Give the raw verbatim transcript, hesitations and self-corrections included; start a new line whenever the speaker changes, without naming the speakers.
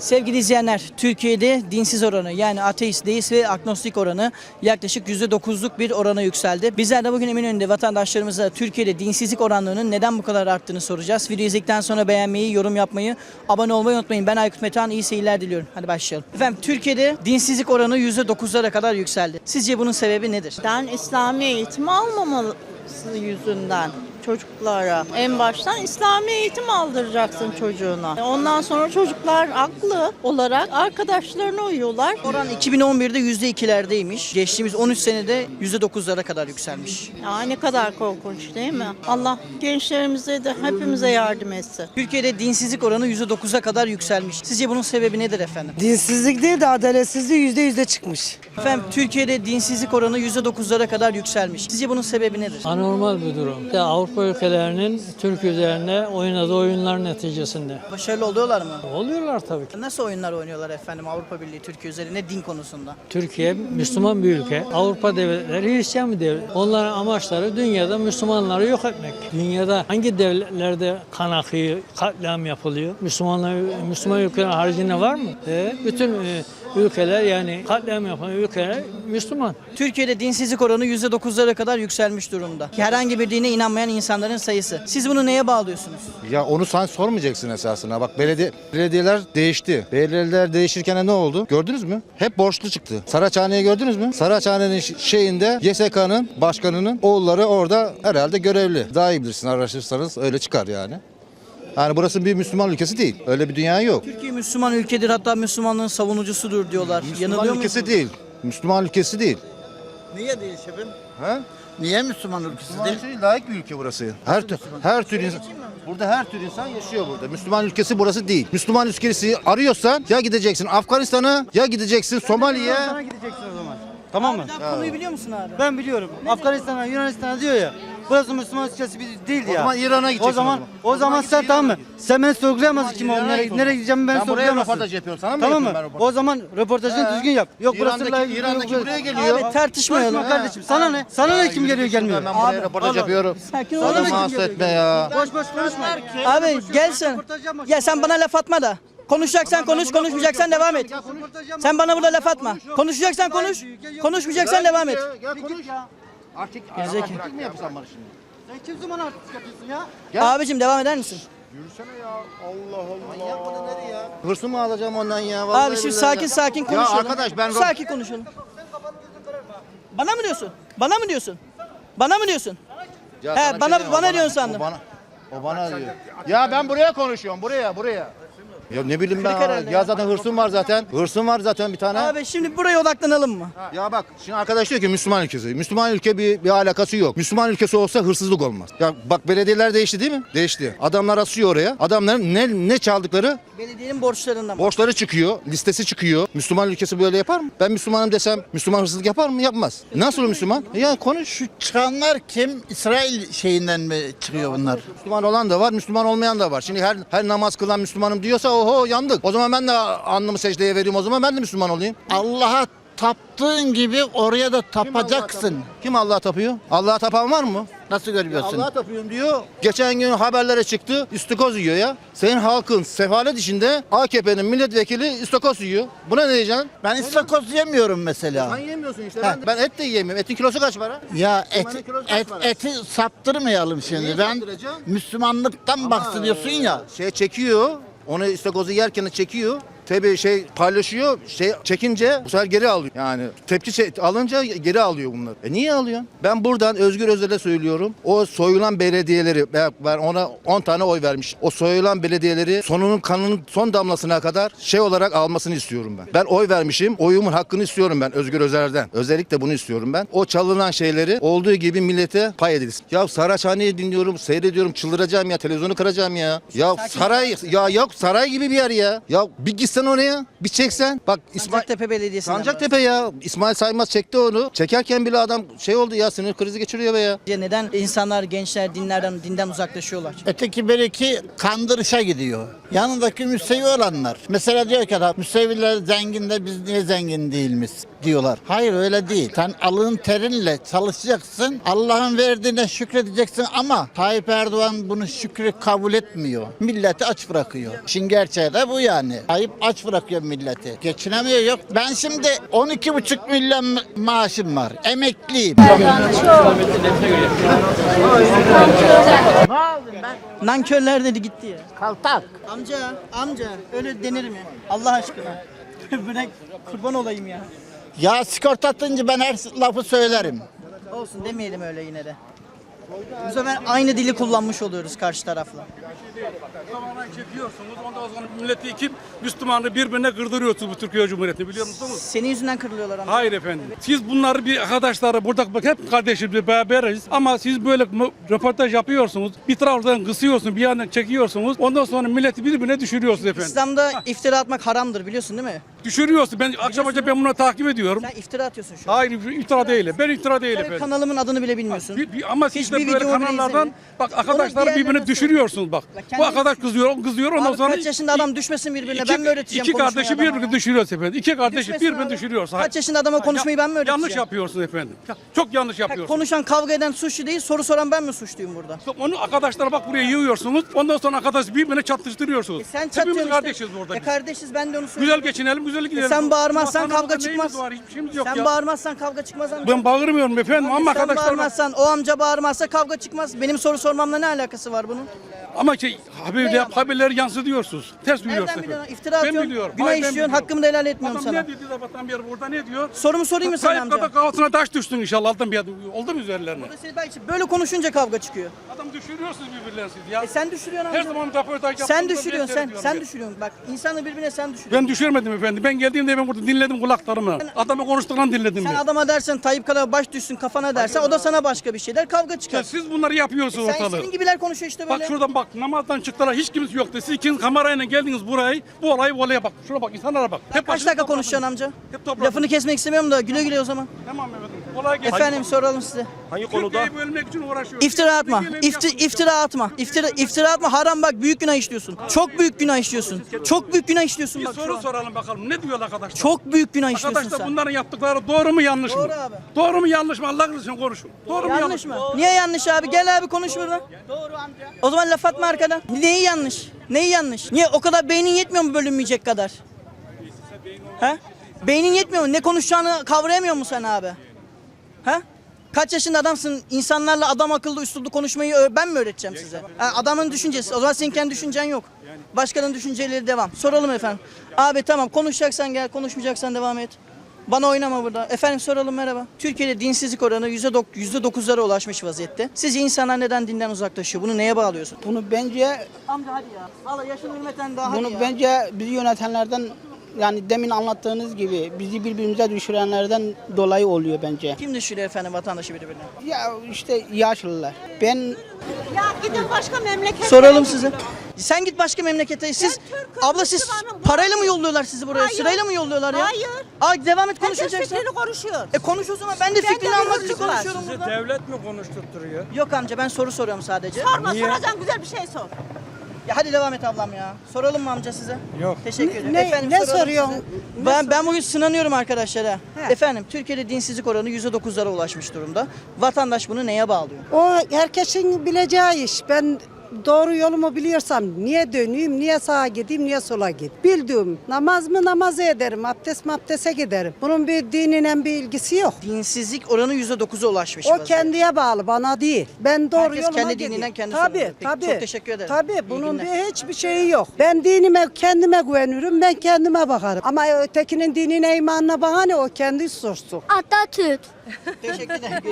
Sevgili izleyenler, Türkiye'de dinsiz oranı yani ateist, deist ve agnostik oranı yaklaşık yüzde dokuzluk bir orana yükseldi. Bizler de bugün Eminönü'nde vatandaşlarımıza Türkiye'de dinsizlik oranlarının neden bu kadar arttığını soracağız. Video izledikten sonra beğenmeyi, yorum yapmayı, abone olmayı unutmayın. Ben Aykut Metehan, iyi seyirler diliyorum. Hadi başlayalım. Efendim, Türkiye'de dinsizlik oranı yüzde dokuzlara kadar yükseldi. Sizce bunun sebebi nedir?
Ben İslami eğitim almaması yüzünden çocuklara. En baştan İslami eğitim aldıracaksın çocuğuna. Ondan sonra çocuklar aklı olarak arkadaşlarına uyuyorlar.
Oran iki bin on birde yüzde ikilerdeymiş. Geçtiğimiz on üç senede yüzde dokuzlara kadar yükselmiş.
Ya ne kadar korkunç değil mi? Allah gençlerimize de hepimize yardım etsin.
Türkiye'de dinsizlik oranı yüzde dokuza kadar yükselmiş. Sizce bunun sebebi nedir efendim?
Dinsizlik değil de adaletsizliği yüzde yüzde çıkmış.
Efendim, Türkiye'de dinsizlik oranı yüzde dokuzlara kadar yükselmiş. Sizce bunun sebebi nedir?
Anormal bir durum. İşte Avrupa ülkelerinin Türk üzerine oynadığı oyunlar neticesinde.
Başarılı oluyorlar mı?
Oluyorlar tabii ki.
Nasıl oyunlar oynuyorlar efendim Avrupa Birliği Türkiye üzerine din konusunda?
Türkiye Müslüman bir ülke. Avrupa devletleri Hristiyan bir devlet. Onların amaçları dünyada Müslümanları yok etmek. Dünyada hangi devletlerde kan akıyor, katliam yapılıyor? Müslümanlar, Müslüman ülkelerin haricinde var mı? E, bütün e, ülkeler yani katliam yapan ülkeler Müslüman.
Türkiye'de dinsizlik oranı yüzde dokuzlara kadar yükselmiş durumda. Herhangi bir dine inanmayan insanların sayısı. Siz bunu neye bağlıyorsunuz?
Ya onu sen sormayacaksın esasında. Bak belediye, belediyeler değişti. Belediyeler değişirken ne oldu? Gördünüz mü? Hep borçlu çıktı. Saraçhane'yi gördünüz mü? Saraçhane'nin şeyinde Y S K'nın başkanının oğulları orada herhalde görevli. Daha iyi bilirsin, araştırırsanız öyle çıkar yani. Yani burası bir Müslüman ülkesi değil. Öyle bir dünya yok.
Türkiye Müslüman ülkedir, hatta Müslümanlığın savunucusudur diyorlar.
Müslüman
Yanılıyor
ülkesi
musunuz?
değil. Müslüman ülkesi değil.
Niye değil şefim?
Ha?
Niye Müslüman ülkesi
Müslüman
değil?
ülkesi değil, layık bir ülke burası. Her tür, her tür insan, burada her tür insan yaşıyor burada. Müslüman ülkesi burası değil. Müslüman ülkesi arıyorsan ya gideceksin Afganistan'a ya gideceksin Somali'ye.
Afganistan'a gideceksin o zaman. Tamam mı?
Sen konuyu biliyor musun abi?
Ben biliyorum. Afganistan'a, Yunanistan'a diyor ya. Burası Müslüman ülkesi bir- değil
O
ya.
zaman İran'a gideceksin
O zaman
o
o zaman
git
sen
İran'a
tamam mı?
git.
Sen beni sorgulayamazsın kim
İran'a
oğlum. Nereye,
git o
nereye
zaman.
gideceğimi ben
Ben buraya
sorgulayamazsın.
röportaj yapıyorum. Sana mı
Tamam
yapıyorum
mı?
ben röportaj?
O zaman röportajını
He.
düzgün yap. Yok burası
İran'daki,
layık-
İran'daki
yok-
buraya geliyor.
Abi tartışmayalım.
Konuşma kardeşim. Sana ne? Sana ne kim geliyor gelmiyor?
Ben buraya
Abi,
röportaj
abi.
yapıyorum.
Sakin ol.
Sana
Adamı
ne kim
hasta
geliyor
etme
gelmiyor?
ya.
Boş boş konuşma.
Abi gel sen. Ya sen bana laf atma da. Konuşacaksan konuş, konuşmayacaksan devam et. Sen bana burada laf atma. Konuşacaksan konuş, konuşmayacaksan devam et.
Gel konuş. Artık
Gerizekalı.
artık mı yapsan bana şimdi?
Sen kim zaman artist yapıyorsun ya?
Gel.
Abicim devam eder misin?
Yürüsene ya. Allah Allah. Manyak mıdır nereye ya? Hırsımı mı alacağım ondan ya? Vallahi
Abi şimdi
billahi
sakin
ya.
sakin konuşalım.
Ya arkadaş ben
Sakin konuşalım. Bana mı diyorsun? Bana mı diyorsun? Bana mı diyorsun?
Ya
He,
sana bir
bana-
şey diyeyim,
bana
o
diyorsun sandım.
O bana, o bana diyor. Ya ben buraya konuşuyorum. Buraya buraya. Ya ne bileyim ben.
herhalde
Ya
ya.
zaten hırsım var zaten. Hırsım var zaten bir tane.
Abi şimdi buraya odaklanalım mı?
Ya bak şimdi arkadaş diyor ki Müslüman ülkesi. Müslüman ülke bir, bir alakası yok. Müslüman ülkesi olsa hırsızlık olmaz. Ya bak belediyeler değişti değil mi? Değişti. Adamlar asıyor oraya. Adamların ne ne çaldıkları
Belediyenin borçlarından mı?
borçları çıkıyor. Listesi çıkıyor. Müslüman ülkesi böyle yapar mı? Ben Müslümanım desem Müslüman hırsızlık yapar mı? Yapmaz. Nasıl Müslüman? Ya konuş.
Şu çıkanlar kim? İsrail şeyinden mi çıkıyor bunlar?
Müslüman olan da var, Müslüman olmayan da var. Şimdi her her namaz kılan Müslümanım diyorsa oho yandık. O zaman ben de alnımı secdeye vereyim, o zaman ben de Müslüman olayım.
Allah'a taptığın gibi oraya da tapacaksın.
Kim Allah'a tapıyor? Allah'a tapan var mı?
Nasıl görüyorsun?
Allah'a tapıyorum diyor. Geçen gün haberlere çıktı. İstikoz yiyor ya. Senin halkın sefalet içinde A K P'nin milletvekili istikoz yiyor. Buna ne diyeceksin?
Ben istakoz yemiyorum mesela.
Sen yemiyorsun işte. Ben, ben et de yiyemiyorum. Etin kilosu kaç para?
Ya et,
Müslümanın kilosu kaç
et,
para?
eti saptırmayalım şimdi.
Niye
Ben
saptıracaksın?
Müslümanlıktan bahsediyorsun ya.
Şey çekiyor. Onu istakozu yerken çekiyor. Tabii şey paylaşıyor, şey çekince bu sefer geri alıyor. Yani tepki çek- alınca geri alıyor bunları. E niye alıyorsun? Ben buradan Özgür Özel'e söylüyorum. O soyulan belediyeleri, ben ben ona on tane oy vermiş. O soyulan belediyeleri sonunun kanının son damlasına kadar şey olarak almasını istiyorum ben. Ben oy vermişim. Oyumun hakkını istiyorum ben Özgür Özel'den. Özellikle bunu istiyorum ben. O çalınan şeyleri olduğu gibi millete pay edilsin. Ya Saraçhane'yi dinliyorum, seyrediyorum, çıldıracağım ya, televizyonu kıracağım ya. Ya saray, ya yok saray gibi bir yer ya. Ya bir gitsen oraya, bir çeksen. Bak İsmail
Sancaktepe Belediyesi'nden.
Sancaktepe ya. İsmail Saymaz çekti onu. Çekerken bile adam şey oldu ya, sinir krizi geçiriyor be ya.
Neden insanlar, gençler dinlerden, dinden uzaklaşıyorlar?
Öteki bereki kandırışa gidiyor. Yanındaki müsevi olanlar. Mesela diyor ki adam müseviler zengin de biz niye zengin değiliz diyorlar. Hayır öyle değil. Sen alın terinle çalışacaksın. Allah'ın verdiğine şükredeceksin ama Tayyip Erdoğan bunu şükrü kabul etmiyor. Milleti aç bırakıyor. İşin gerçeği de bu yani. Tayyip aç bırakıyor milleti. Geçinemiyor yok. Ben şimdi on iki buçuk milyon ma- maaşım var. Emekliyim.
Nankörler dedi gitti ya.
Kaltak.
Amca, amca öyle denir mi? Allah aşkına. Bırak kurban olayım ya.
Ya sigorta atınca ben her lafı söylerim.
Olsun demeyelim öyle yine de. Bu sefer aynı dili kullanmış oluyoruz karşı tarafla.
Tamamen çekiyorsunuz. Ondan sonra milleti iki Müslümanı birbirine kırdırıyorsunuz bu Türkiye Cumhuriyeti biliyor musunuz?
Senin yüzünden kırılıyorlar amca.
Hayır efendim. Siz bunları bir arkadaşları burada bak hep kardeşiz bir beraberiz ama siz böyle mı- röportaj yapıyorsunuz. Bir taraftan kısıyorsunuz, bir yandan çekiyorsunuz. Ondan sonra milleti birbirine düşürüyorsunuz efendim.
İslam'da iftira atmak haramdır biliyorsun değil mi?
Düşürüyorsunuz. Ben akşam akşam ben bunu takip ediyorum.
Sen iftira atıyorsun şu an.
Hayır iftira değil. Ben iftira değil
Sen
efendim.
kanalımın adını bile bilmiyorsun.
Bir- bir- ama siz
Hiçbir
de böyle
videomu bile
kanallardan
izlemiyorum.
bak
Onu
arkadaşlar
diğerlerine
birbirini düşürüyorsunuz bak.
Bak
Bu
kendisi
arkadaş kızıyor, o kızıyor ondan
Abi
sonra
kaç yaşında adam düşmesin birbirine
iki,
ben mi öğreteceğim
iki
konuşmayı
kardeşi
adama
birbirini
ya?
düşürüyoruz efendim. İki kardeşi
Düşmesin
birbirini
abi.
düşürüyoruz.
Kaç yaşında adama konuşmayı ben mi öğreteceğim?
Yanlış yapıyorsunuz efendim. Çok yanlış
Bak,
yapıyorsunuz.
konuşan kavga eden suçlu değil soru soran ben mi suçluyum burada?
Onu arkadaşlar bak buraya yığıyorsunuz. Ondan sonra arkadaş birbirine çatıştırıyorsunuz.
E sen
Hepimiz
çatıyorsun
kardeşiz
işte.
burada.
E
biz.
kardeşiz ben de onu
Güzel
söylüyorum.
geçinelim, güzel gidelim.
E sen bağırmazsan
Vatanımızda
kavga çıkmaz.
neyimiz var, hiçbir şeyimiz yok
Sen
ya.
bağırmazsan kavga çıkmaz amca.
Ben bağırmıyorum efendim ama
Sen
arkadaşlar bak-
bağırmazsan o amca bağırmazsa kavga çıkmaz. Benim soru sormamla ne alakası var bunun?
ama şey haberler, haberleri yansıtıyorsunuz. Ters biliyorsunuz
Nereden
efendim.
biliyorsun? İftira
Ben
atıyorsun.
biliyorum.
Günah
Hayır, ben
işliyorsun.
biliyorum.
Hakkımı da helal etmiyorum
Adam
sana.
ne dedi sabahtan beri burada ne diyor?
Sorumu sorayım mı sana
Tayyip
amca?
kadar kafasına taş düştün inşallah alttan bir adım. Oldu mu üzerlerine?
Böyle konuşunca kavga çıkıyor.
Adam düşürüyorsunuz birbirlerinizi siz ya.
E sen düşürüyorsun
Her
amca.
zaman röportaj
Sen
yaptığımda
düşürüyorsun
ben
sen.
seyrediyorum
Sen
ya.
düşürüyorsun. Bak insanı birbirine sen düşürüyorsun.
Ben düşürmedim efendim. Ben geldiğimde ben burada dinledim kulaklarımla. Adamı konuştuklarını dinledim
Sen
ben.
adama dersen Tayyip kadar baş düşsün kafana dersen o da sana başka bir şeyler kavga
Ya
çıkar.
siz bunları yapıyorsunuz
Sen
ortalığı.
senin gibiler konuşuyor işte böyle.
Bak şuradan bak namazdan çıktılar hiç kimse yoktu. Siz ikiniz kamerayla geldiniz burayı. Bu olayı bu olaya bak. Şuna bak insanlara bak.
Kaç
başınızı
dakika
topladınız.
konuşacaksın amca?
Hep topladınız.
Lafını kesmek istemiyorum da güle güle o zaman.
Tamam efendim. Kolay gelsin.
Efendim soralım size.
Hangi konuda?
Türkiye'yi bölmek için uğraşıyoruz.
İftira atma.
Gelin
İfti,
yapın.
iftira atma. İftira, iftira atma. Haram bak büyük günah işliyorsun. Çok büyük günah işliyorsun. Çok büyük günah işliyorsun
Bir
bak şu
soru
an.
soralım bakalım. Ne diyor arkadaşlar?
Çok büyük günah işliyorsun
Arkadaşlar
sen.
bunların yaptıkları doğru mu yanlış mı?
Doğru abi.
Doğru mu yanlış mı? Allah için konuşun. Doğru mu
Yanlış mı? Niye yanlış abi? Gel abi konuş burada. Doğru amca. O zaman laf atma arkadan. Neyi yanlış? Neyi yanlış? Niye o kadar beynin yetmiyor mu bölünmeyecek kadar? He? Beynin yetmiyor mu? Ne konuşacağını kavrayamıyor musun sen abi? He? Kaç yaşında adamsın? İnsanlarla adam akıllı üsluplu konuşmayı ö- ben mi öğreteceğim size? Ha, adamın düşüncesi. O zaman senin kendi düşüncen yok. Başkanın düşünceleri devam. Soralım efendim. Abi tamam konuşacaksan gel, konuşmayacaksan devam et. Bana oynama burada. Efendim soralım merhaba. Türkiye'de dinsizlik oranı yüzde dokuzlara ulaşmış vaziyette. Sizce insanlar neden dinden uzaklaşıyor? Bunu neye bağlıyorsun?
Bunu bence
Amca hadi ya. Valla yaşın hürmeten daha hadi
bunu
ya.
bence bizi yönetenlerden yani demin anlattığınız gibi bizi birbirimize düşürenlerden dolayı oluyor bence.
Kim düşürüyor efendim vatandaşı birbirine?
Ya işte yaşlılar. Ben
Ya gidin başka memlekete.
Soralım size. Sen git başka memlekete. Siz
Türk'üm,
abla siz
Müslümanım,
parayla mı
hayır.
yolluyorlar sizi buraya?
Hayır.
Sırayla mı yolluyorlar ya?
Hayır.
Aa devam et
Herkes
konuşacaksın.
fikrini konuşuyor.
E konuş o zaman. Ben de
Ben de
fikrini
bir
almak için
hukuk var.
konuşuyorum burada.
Devlet mi konuşturtturuyor?
Yok amca ben soru soruyorum sadece.
Sorma soracaksın güzel bir şey sor.
Ya hadi devam et ablam ya. Soralım mı amca size?
Yok.
Teşekkür ederim.
ne-
Efendim,
ne
soralım
soruyorsun?
size. Ben, ben bugün sınanıyorum arkadaşlara. Efendim Türkiye'de dinsizlik oranı yüzde dokuzlara ulaşmış durumda. Vatandaş bunu neye bağlıyor?
O herkesin bileceği iş. Ben doğru yolumu biliyorsam niye döneyim, niye sağa gideyim, niye sola gideyim. Bildiğim namaz mı namazı ederim, abdest mi abdeste giderim. Bunun bir dinine bir ilgisi yok.
Dinsizlik oranı yüzde dokuza ulaşmış.
O
vaziyette.
kendiye bağlı, bana değil. Ben doğru
Herkes
yoluma
kendi
gideyim.
dininden kendi
Tabii,
sorumlu. Peki,
tabii.
çok teşekkür ederim.
Tabii,
İyi
bunun
günler.
bir hiçbir şeyi yok. Ben dinime, kendime güvenirim, ben kendime bakarım. Ama ötekinin dinine, imanına bana ne, o kendi sorsun.
Atatürk.
Teşekkür ederim.